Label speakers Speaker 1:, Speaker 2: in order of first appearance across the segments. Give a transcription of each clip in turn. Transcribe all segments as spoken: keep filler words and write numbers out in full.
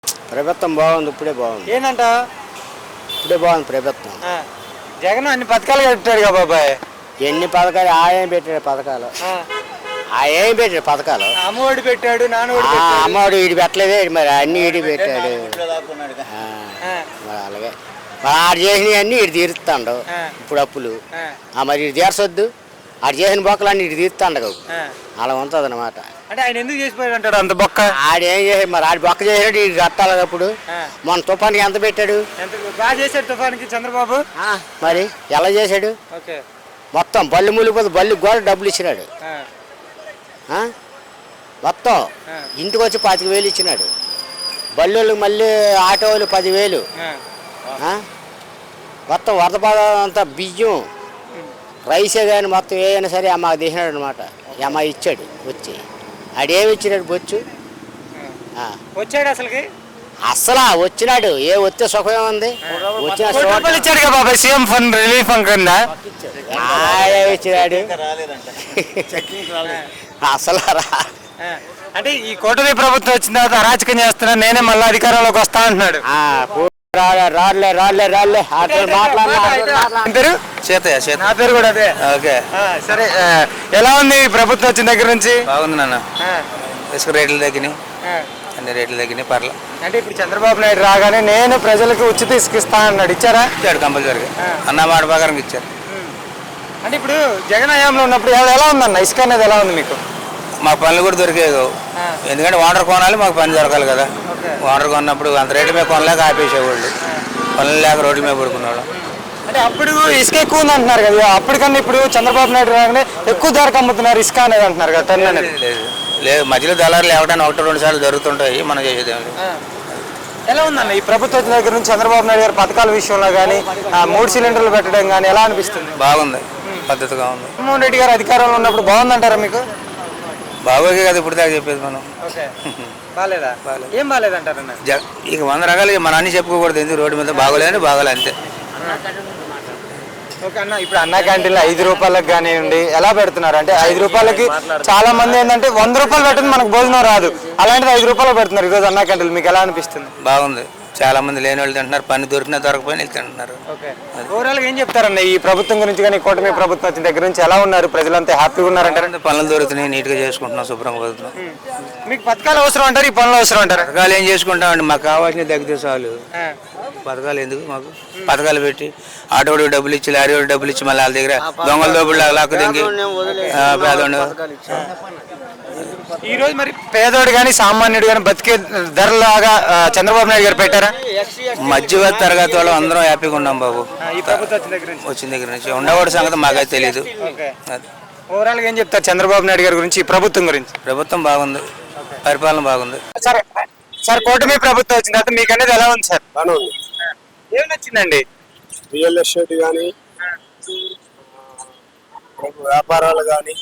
Speaker 1: ప్రభుత్వం బాగుంది, ఇప్పుడే బాగుంది.
Speaker 2: ఏంటంట
Speaker 1: ఇప్పుడే బాగుంది ప్రభుత్వం.
Speaker 2: జగన్ అన్ని పథకాలు కట్టాడు కదా బాబాయ్.
Speaker 1: ఎన్ని పథకాలు ఆయన పెట్టాడు పథకాలు, ఆ ఏం పెట్టాడు పథకాలు.
Speaker 2: అమ్మఒడి పెట్టాడు, నాన్నఒడి
Speaker 1: ఆ,
Speaker 2: పెట్టాడు.
Speaker 1: అమ్మవాడు వీడి పెట్టలేదే, మరి అన్ని వీడి పెట్టాడు. ఆ, మరి అలాగే మరి ఆడు చేసినవి అన్నీ ఇటు తీరుస్తాడు ఇప్పుడు అప్పులు. ఆ, మరి ఇటు తీర్చొద్దు, ఆడు చేసిన బొక్కలు అన్ని ఇటు తీరుతాండవు. అలా ఉంటుంది అనమాట.
Speaker 2: అంటే ఆయన ఎందుకు చేసిపోయాడు అంటాడు అంత బొక్క?
Speaker 1: ఆడేం చేసి మరి ఆడి బొక్క చేసాడు, ఇటు కట్టాలి. అప్పుడు మన తుఫానికి ఎంత పెట్టాడు?
Speaker 2: ఎంత బాగా చేశాడు తుఫానికి చంద్రబాబు.
Speaker 1: మరి ఎలా చేశాడు?
Speaker 2: ఓకే,
Speaker 1: మొత్తం బళ్ళు మూలిపోతే బళ్ళు కూడా డబ్బులు ఇచ్చినాడు. మొత్తం ఇంటికి వచ్చి పాతిక వేలు ఇచ్చినాడు. బళ్ళు మళ్ళీ ఆటో వాళ్ళు పదివేలు. మొత్తం వరద బాధ అంతా బియ్యం రైసే కానీ మొత్తం ఏదైనా సరే అమ్మ తీసినాడు అనమాట. అమ్మ ఇచ్చాడు వచ్చి. ఆడేమి ఇచ్చినాడు బొచ్చు?
Speaker 2: వచ్చాడు అసలుకి
Speaker 1: అసలు వచ్చినాడు. ఏ వస్తే సుఖమే ఉంది. వచ్చిన
Speaker 2: ఇచ్చాడు కదా బాబాయ్, సీఎం ఫండ్ రిలీఫ్ ఫండ్ కింద
Speaker 1: ఇచ్చినాడు. అసలు
Speaker 2: అంటే ఈ కూటమి ప్రభుత్వం వచ్చిన తర్వాత అరాచకం చేస్తున్నా, నేనే మళ్ళీ అధికారంలోకి వస్తా అంటున్నాడు.
Speaker 1: రాలే రాలే రాలే
Speaker 2: పేరు
Speaker 3: చేతయ్య చేత
Speaker 2: నా పేరు కూడా అదే.
Speaker 3: ఓకే
Speaker 2: సరే, ఎలా ఉంది ఈ ప్రభుత్వం వచ్చిన దగ్గర నుంచి?
Speaker 3: బాగుంది నాన్న. ఇసుక రేట్లు తగ్గినాయి, అన్ని రేట్లు తగ్గినాయి, పర్లేదు.
Speaker 2: అంటే ఇప్పుడు చంద్రబాబు నాయుడు రాగానే నేను ప్రజలకు ఉచిత ఇసుక ఇస్తా అన్నాడు. ఇచ్చారా?
Speaker 3: ఇచ్చాడు కంపల్సరీగా, అన్న మాట ప్రకారం ఇచ్చారు.
Speaker 2: అంటే ఇప్పుడు జగన్ హయాంలో ఉన్నప్పుడు ఎలా ఎలా ఉందన్న ఇసుక అనేది ఎలా ఉంది మీకు?
Speaker 3: మాకు పనులు కూడా దొరికేది, ఎందుకంటే వాటర్ కొనాలి, మాకు పని దొరకాలి కదా. వాటర్ కొన్నప్పుడు అంత రేటు మీద కొనలేక ఆపేసేవాళ్ళు, పనులు లేక రోడ్ల మీద పడుకునేవాళ్ళు.
Speaker 2: అంటే అప్పుడు ఇసుక ఎక్కువ ఉంది అంటున్నారు కదా, అప్పటికన్నా ఇప్పుడు చంద్రబాబు నాయుడు రాగానే ఎక్కువ ధరకు అమ్ముతున్నారు ఇసుక అనేది అంటున్నారు కదా. టన్ అనేది
Speaker 3: లేదు లేదు, మధ్యలో దళారులు ఎవరైనా ఒకటి రెండు సార్లు జరుగుతుంటాయి, మనం చేసేది ఏమి లేదు.
Speaker 2: ఎలా ఉందన్న ఈ ప్రభుత్వం దగ్గర నుంచి చంద్రబాబు నాయుడు గారి పథకాల విషయంలో కానీ మూడు సిలిండర్లు పెట్టడం కానీ ఎలా అనిపిస్తుంది?
Speaker 3: బాగుంది, పద్ధతిగా ఉంది.
Speaker 2: జగన్మోహన్ రెడ్డి గారు అధికారంలో ఉన్నప్పుడు బాగుందంటారా మీకు?
Speaker 3: బాగోగే కదా ఇప్పుడు దాకా చెప్పేది మనం.
Speaker 2: బాగాలేదా? ఏం బాగాలేదంటారన్న?
Speaker 3: ఇక వంద రకాలు మన అన్ని చెప్పుకోకూడదు, ఎందుకు రోడ్డు మీద బాగోలేదని బాగోలే అంతే.
Speaker 2: ఓకే అన్న, ఇప్పుడు అన్న క్యాంటీన్లో ఐదు రూపాయలకు కానివ్వండి ఎలా పెడుతున్నారు అంటే ఐదు రూపాయలకి చాలా మంది ఏంటంటే వంద రూపాయలు పెట్టింది మనకు భోజనం రాదు, అలాంటిది ఐదు రూపాయలు పెడుతున్నారు ఈరోజు అన్న క్యాంటీన్లు. మీకు ఎలా అనిపిస్తుంది?
Speaker 3: బాగుంది, చాలా మంది లేని వాళ్ళు తింటున్నారు, పని దొరికినా దొరకపోయినా తింటున్నారు.
Speaker 2: ఓవరాల్గా ఏం చెప్తారన్న ఈ ప్రభుత్వం గురించి కానీ కూటమి ప్రభుత్వం వచ్చిన దగ్గర నుంచి ఎలా ఉన్నారు? ప్రజలంతా హ్యాపీగా ఉన్నారంటారు?
Speaker 3: పనులు దొరుకుతున్నాయి, నీట్గా చేసుకుంటున్నాం, శుభ్రంగా పోతున్నాం.
Speaker 2: మీకు పథకాలు అవసరం అంటారు, ఈ పనులు అవసరం అంటారు?
Speaker 3: పథకాలు ఏం చేసుకుంటామండి, మాకు కావాల్సిన తగ్గితే చాలు. పథకాలు ఎందుకు మాకు? పథకాలు పెట్టి ఆటోడు డబ్బులు ఇచ్చి, లారీ డబ్బులు ఇచ్చి, మళ్ళీ వాళ్ళ దగ్గర దొంగల దోపుడు లాక్కు దింగి పేదోడు.
Speaker 2: ఈ రోజు మరి పేదోడు కానీ సామాన్యుడు కానీ బతికే ధరలాగా చంద్రబాబు నాయుడు గారు పెట్టారా?
Speaker 3: మధ్యవర్తి తరగతి వాళ్ళు అందరం హ్యాపీగా ఉన్నాం బాబు
Speaker 2: ఈ ప్రభుత్వం వచ్చిన దగ్గర నుంచి.
Speaker 3: వచ్చిన దగ్గర నుంచి. ఉండవాడి సంగతి మాకైతే తెలియదు.
Speaker 2: ఓవరాల్ గా ఏం చెప్తారు చంద్రబాబు నాయుడు గారి గురించి, ఈ ప్రభుత్వం గురించి?
Speaker 3: ప్రభుత్వం బాగుంది, పరిపాలన బాగుంది.
Speaker 2: సరే సార్, కూటమి ప్రభుత్వం వచ్చిన తర్వాత మీకు అనేది ఎలా ఉంది సార్?
Speaker 4: బాగానే ఉంది.
Speaker 2: ఏం నచ్చిందండి?
Speaker 4: రియల్ ఎస్టేట్ కానీ, వ్యాపారాలు కానీ,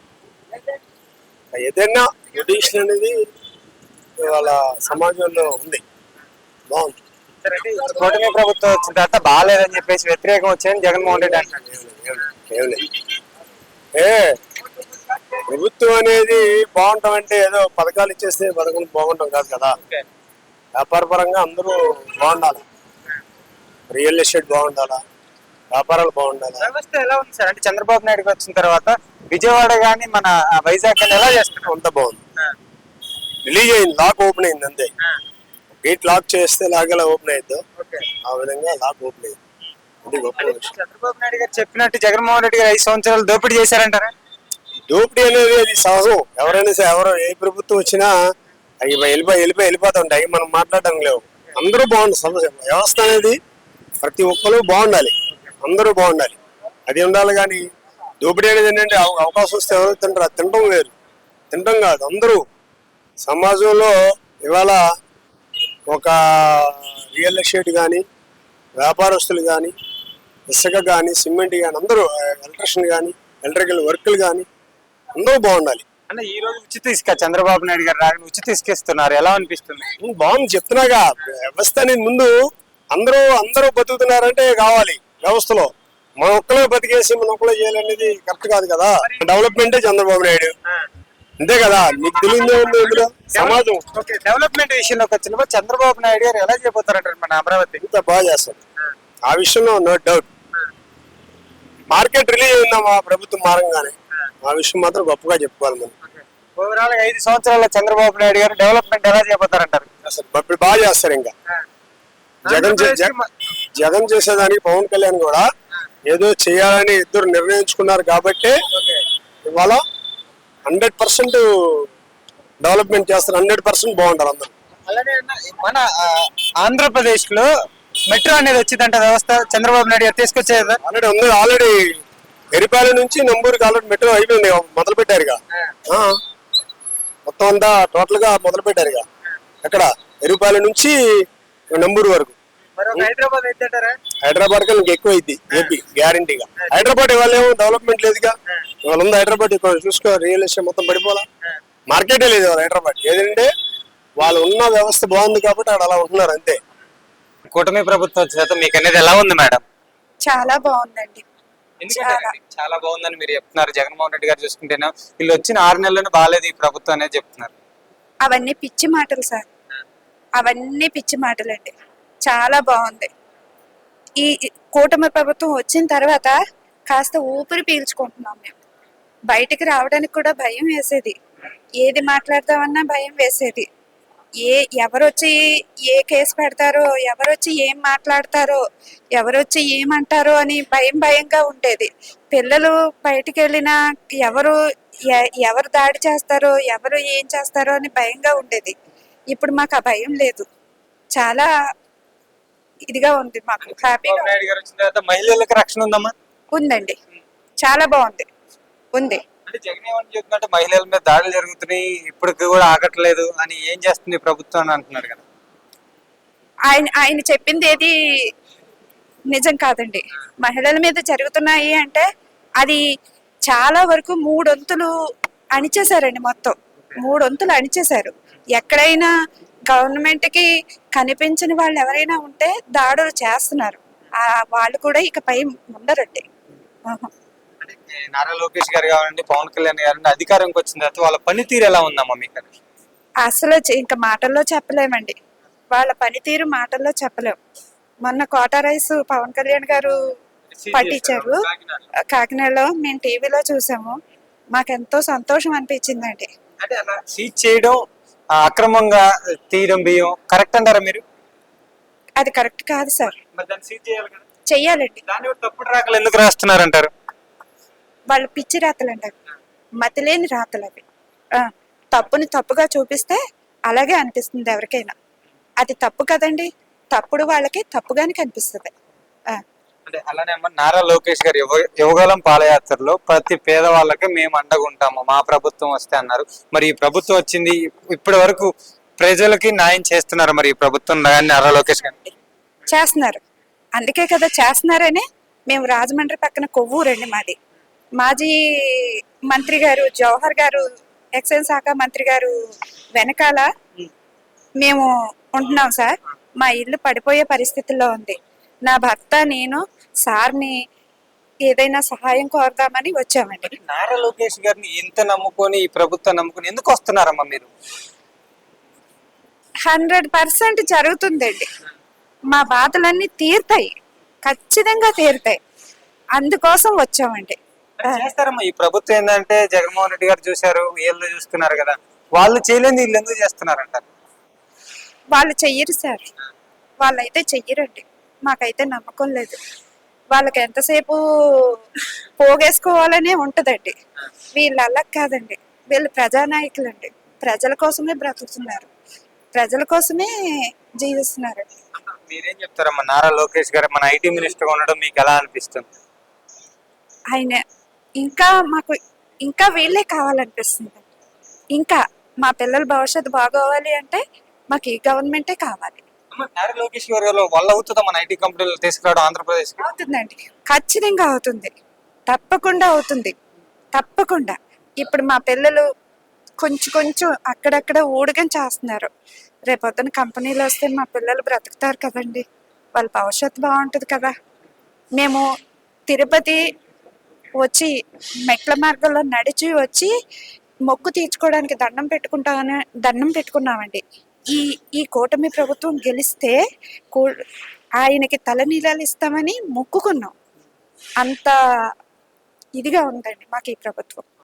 Speaker 4: ఏదైనా ట్రెడిషన్ అనేది ఇవాళ సమాజంలో ఉంది, బాగుంది.
Speaker 2: కూటమి ప్రభుత్వం వచ్చిన తర్వాత బాగాలేదని చెప్పేసి వ్యతిరేకం వచ్చాయని జగన్మోహన్ రెడ్డి అంటారు.
Speaker 4: ఏ ప్రభుత్వం అనేది బాగుంటాం అంటే ఏదో పథకాలు ఇచ్చేస్తే పథకం బాగుంటాం కాదు కదా. వ్యాపార పరంగా అందరూ బాగుండాలి, రియల్ ఎస్టేట్ బాగుండాలా, వ్యాపారాలు బాగుండాలి.
Speaker 2: వ్యవస్థ ఎలా ఉంది సార్? అంటే చంద్రబాబు నాయుడు వచ్చిన తర్వాత విజయవాడ కానీ మన వైజాగ్ కానీ ఎలా చేస్తున్నారు?
Speaker 4: అంత బాగుంది. రిలీజ్ అయింది, లాక్ ఓపెన్ అయింది అంతే. గేట్ లాక్ చేస్తే లాగేలా ఓపెన్ అయ్యిద్దో ఆ విధంగా లాక్ ఓపెన్ అయింది. అది గొప్ప విషయం.
Speaker 2: చంద్రబాబు నాయుడు గారు చెప్పినట్టు జగన్మోహన్ రెడ్డి గారు ఐదు సంవత్సరాలు దోపిడీ చేశారంటారా?
Speaker 4: దోపిడీ అనేది అది సహజం. ఎవరైనా సరే, ఎవరో ఏ ప్రభుత్వం వచ్చినా అవి వెళ్ళిపోయి వెళ్ళిపోయి వెళ్ళిపోతుంటాయి, మనం మాట్లాడడం లేవు. అందరూ బాగుండాలి, సమస్య వ్యవస్థ అనేది ప్రతి ఒక్కరు బాగుండాలి, అందరూ బాగుండాలి, అది ఉండాలి. కానీ దోపిడీ అనేది ఏంటంటే అవకాశం వస్తే ఎవరు తింటారు, తినడం వేరు, తినడం కాదు. అందరూ సమాజంలో ఇవాళ ఒక రియల్ ఎస్టేట్ కానీ, వ్యాపారస్తులు కానీ, ఇసుక కానీ, సిమెంట్ కానీ, అందరూ ఎలక్ట్రిషియన్ కానీ, ఎలక్ట్రికల్ వర్కులు కానీ అందరూ బాగుండాలి.
Speaker 2: అంటే ఈ రోజు ఉచిత ఇసుక చంద్రబాబు నాయుడు గారు రాగానే ఉచిత ఇసుక ఇస్తున్నారు, ఎలా అనిపిస్తుంది?
Speaker 4: బాగుంది చెప్తున్నాగా. వ్యవస్థ అనేది ముందు అందరూ అందరూ బతుకుతున్నారంటే కావాలి వ్యవస్థలో. మన ఒక్కలే బతికేసి మన ఒక్కలే చేయాలనేది కరెక్ట్ కాదు కదా. డెవలప్మెంటే చంద్రబాబు నాయుడు, అంతే కదా, మీకు తెలియదు ఏముంది ఇందులో సమాజం.
Speaker 2: ఓకే, డెవలప్మెంట్ విషయంలోకి వచ్చినప్పుడు చంద్రబాబు నాయుడు గారు ఎలా చేయబోతారంటారు మన అమరావతి?
Speaker 4: ఇంత బాగా చేస్తారు ఆ విషయంలో, నో డౌట్. మార్కెట్ రిలీజ్ అయిందా మా ప్రభుత్వం మారంగానే, ఆ విషయం మాత్రం గొప్పగా చెప్పుకోవాలి మనం.
Speaker 2: ఓవరాల్ ఐదు సంవత్సరాల చంద్రబాబు నాయుడు గారు డెవలప్మెంట్ ఎలా చేయబోతారంటారు?
Speaker 4: అసలు ఇప్పుడు బాగా చేస్తారు. ఇంకా జగన్ చే- జగ- జగన్ చేసేదానికి పవన్ కళ్యాణ్ కూడా ఏదో చేయాలని ఇద్దరు నిర్ణయించుకున్నారు కాబట్టి ఇవాళ హండ్రెడ్ పర్సెంట్ డెవలప్మెంట్ చేస్తారు, హండ్రెడ్ పర్సెంట్ బాగుంటారు అందరు.
Speaker 2: అలానే అన్న, మన ఆంధ్రప్రదేశ్ లో మెట్రో అనేది వచ్చిందంట వ్యవస్థ చంద్రబాబు నాయుడు గారు తీసుకొచ్చేది.
Speaker 4: ఆల్రెడీ ఉంది, ఆల్రెడీ ఎరిపాల నుంచి నంబూరుకి ఆల్రెడీ మెట్రో అయిపోయింది, మొదలు పెట్టారుగా. ఆ, మొత్తం అంతా టోటల్ గా మొదలు పెట్టారుగా. ఎక్కడ ఎరిపాల నుంచి నంబూరు వరకు.
Speaker 2: హైదరాబాద్ ఏంటంటారా?
Speaker 4: హైదరాబాద్ కన్నా ఇంకా ఎక్కువ అయింది ఏపీ గ్యారంటీగా. హైదరాబాద్ ఇవాళ ఏమో డెవలప్మెంట్ లేదుగా. ఇవాళ ఉంది హైదరాబాద్, ఇక్కడ చూసుకో రియల్ ఎస్టేట్ మొత్తం పడిపోలా, మార్కెటే లేదు ఇవాళ హైదరాబాద్. ఏదంటే వాళ్ళు ఉన్న వ్యవస్థ బాగుంది కాబట్టి అక్కడ అలా ఉంటున్నారు అంతే.
Speaker 2: కూటమి ప్రభుత్వం చేత మీకు అనేది ఎలా ఉంది మేడం?
Speaker 5: చాలా బాగుందండి. చాలా
Speaker 2: చాలా బాగుందని మీరు చెప్తున్నారు. జగన్మోహన్ రెడ్డి గారు చూసుకుంటేనే వీళ్ళు వచ్చిన ఆరు నెలల్లోనే బాగాలేదు ఈ ప్రభుత్వం అనేది చెప్తున్నారు.
Speaker 5: అవన్నీ పిచ్చి మాటలు సార్, అవన్నీ పిచ్చి మాటలండి. చాలా బాగుంది. ఈ కూటమి ప్రభుత్వం వచ్చిన తర్వాత కాస్త ఊపిరి పీల్చుకుంటున్నాం మేము. బయటికి రావడానికి కూడా భయం వేసేది, ఏది మాట్లాడతామన్నా భయం వేసేది. ఏ ఎవరొచ్చి ఏ కేసు పెడతారో, ఎవరొచ్చి ఏం మాట్లాడతారో, ఎవరొచ్చి ఏమంటారో అని భయం భయంగా ఉండేది. పిల్లలు బయటికి వెళ్ళినా ఎవరు ఎ- ఎవరు దాడి చేస్తారో, ఎవరు ఏం చేస్తారో అని భయంగా ఉండేది. ఇప్పుడు మాకు ఆ భయం లేదు. చాలా ఇదిగా ఉంది, మాకు హ్యాపీగా
Speaker 2: చంద్రబాబు నాయుడు గారు వచ్చిన తర్వాత మహిళలకు రక్షణ ఉందమ్మా?
Speaker 5: ఉందండి. చాలా బాగుంది, ఉంది.
Speaker 2: అంటే జగన్ ఏమని చెప్తున్నట్టు మహిళల మీద దాడులు జరుగుతున్నాయి, ఇప్పటికి కూడా ఆగట్లేదు అని, ఏం చేస్తుంది ప్రభుత్వం అని అంటున్నారు కదా.
Speaker 5: ఆయన ఆయన చెప్పింది ఏది నిజం కాదండి. మహిళల మీద జరుగుతున్నాయి అంటే అది చాలా వరకు మూడొంతులు అణిచేశారండి. మొత్తం మూడొంతులు అణిచేశారు. ఎక్కడైనా గవర్నమెంట్ కి కనిపించని వాళ్ళు ఎవరైనా ఉంటే దాడులు చేస్తున్నారు. ఆ వాళ్ళు కూడా ఇకపై ఉండరండి. ఆహా.
Speaker 2: అంటే నారా లోకేష్ గారు కావాలండి, పవన్ కళ్యాణ్ గారు అధికారంకి వచ్చిన తర్వాత వాళ్ళ పనితీరు ఎలా ఉందమ్మా మీకు?
Speaker 5: అసలు చె- ఇంకా మాటల్లో చెప్పలేమండి. వాళ్ళ పనితీరు మాటల్లో చెప్పలేం. మొన్న కోటా రైస్ పవన్ కళ్యాణ్ గారు పట్టించారు కాకినాడలో, మేము టీవీలో చూసాము. మాకెంతో సంతోషం అనిపించిందండి.
Speaker 2: అంటే అలా సీజ్ చేయడం, ఆ, అక్రమంగా తీయడం బియ్యం కరెక్ట్ అంటారా మీరు?
Speaker 5: అది కరెక్ట్ కాదు సార్,
Speaker 2: మరి దాన్ని సీజ్ చేయాలి కదా.
Speaker 5: చెయ్యాలండి.
Speaker 2: దాన్ని కూడా తప్పుడు రాకలు ఎందుకు రాస్తున్నారంటారు?
Speaker 5: వాళ్ళు పిచ్చి రాతలు అంటారు, మతిలేని రాతలు అవి. ఆ, తప్పుని తప్పుగా చూపిస్తే అలాగే అనిపిస్తుంది ఎవరికైనా. అది తప్పు కదండి, తప్పుడు వాళ్ళకి తప్పుగానే కనిపిస్తుంది. ఆ,
Speaker 2: అంటే అలానే అమ్మ, నారా లోకేష్ గారు యువ యువగలం పాదయాత్రలో ప్రతి పేదవాళ్ళకి మేము అండగుంటాము మా ప్రభుత్వం వస్తే అన్నారు. మరి ఈ ప్రభుత్వం వచ్చింది, ఇప్పటి వరకు ప్రజలకి న్యాయం చేస్తున్నారు మరి ఈ ప్రభుత్వం నారా లోకేష్ గారు?
Speaker 5: చేస్తున్నారు. అందుకే కదా చేస్తున్నారని మేము రాజమండ్రి పక్కన కొవ్వూరండి మాది. మాజీ మంత్రి గారు జవహర్ గారు, ఎక్సైజ్ శాఖ మంత్రి గారు వెనకాల మేము ఉంటున్నాం సార్. మా ఇల్లు పడిపోయే పరిస్థితుల్లో ఉంది. నా భర్త నేను సార్ని ఏదైనా సహాయం కోరదామని వచ్చామండి.
Speaker 2: నారా లోకేష్ గారిని ఇంత నమ్ముకొని ఈ ప్రభుత్వం నమ్ముకొని ఎందుకు వస్తున్నారమ్మా మీరు?
Speaker 5: హండ్రెడ్ పర్సెంట్ జరుగుతుందండి. మా బాధలన్నీ తీరుతాయి, ఖచ్చితంగా తీరుతాయి. అందుకోసం వచ్చామండి.
Speaker 2: మరి చేస్తారమ్మా ఈ ప్రభుత్వం ఏంటంటే జగన్మోహన్ రెడ్డి గారు చూశారు, వీళ్ళు చూస్తున్నారు కదా, వాళ్ళు చేయలేని వీళ్ళు ఎందుకు చేస్తున్నారంటారు?
Speaker 5: వాళ్ళు చెయ్యరు సార్, వాళ్ళైతే చెయ్యరండి. మాకైతే నమ్మకం లేదు. వాళ్ళకి ఎంతసేపు పోగేసుకోవాలనే ఉంటదండి. వీళ్ళు అలా కాదండి, వీళ్ళు ప్రజానాయకులండి. ప్రజల కోసమే బ్రతుకుతున్నారు, ప్రజల కోసమే జీవిస్తున్నారు.
Speaker 2: మీరేం చెప్తారమ్మా, నారా లోకేష్ గారు మన ఐటీ మినిస్టర్ ఉండడం మీకు ఎలా అనిపిస్తుంది?
Speaker 5: ఆయన ఇంకా మాకు ఇంకా వీళ్ళే కావాలనిపిస్తుంది. ఇంకా మా పిల్లల భవిష్యత్తు బాగోవాలి అంటే మాకు ఈ గవర్నమెంటే కావాలి.
Speaker 2: అమ్మ, నారా లోకేష్ గారి వల్ల అవుతుందా మన ఐటీ కంపెనీలు తీసుకురావడం ఆంధ్రప్రదేశ్?
Speaker 5: అవుతుందండి, ఖచ్చితంగా అవుతుంది, తప్పకుండా అవుతుంది, తప్పకుండా. ఇప్పుడు మా పిల్లలు కొంచెం కొంచెం అక్కడక్కడ ఊడగం చేస్తున్నారు. రేపొద్దున కంపెనీలు వస్తే మా పిల్లలు బ్రతుకుతారు కదండి, వాళ్ళ భవిష్యత్తు బాగుంటుంది కదా. మేము తిరుపతి వచ్చి మెట్ల మార్గంలో నడిచి వచ్చి మొక్కు తీర్చుకోవడానికి దండం పెట్టుకుంటామని దండం పెట్టుకున్నామండి. ఈ ఈ కూటమి ప్రభుత్వం గెలిస్తే కూ- ఆయనకి తలనీలాలు ఇస్తామని మొక్కుకున్నాం. అంత ఇదిగా ఉందండి మాకు ఈ ప్రభుత్వం.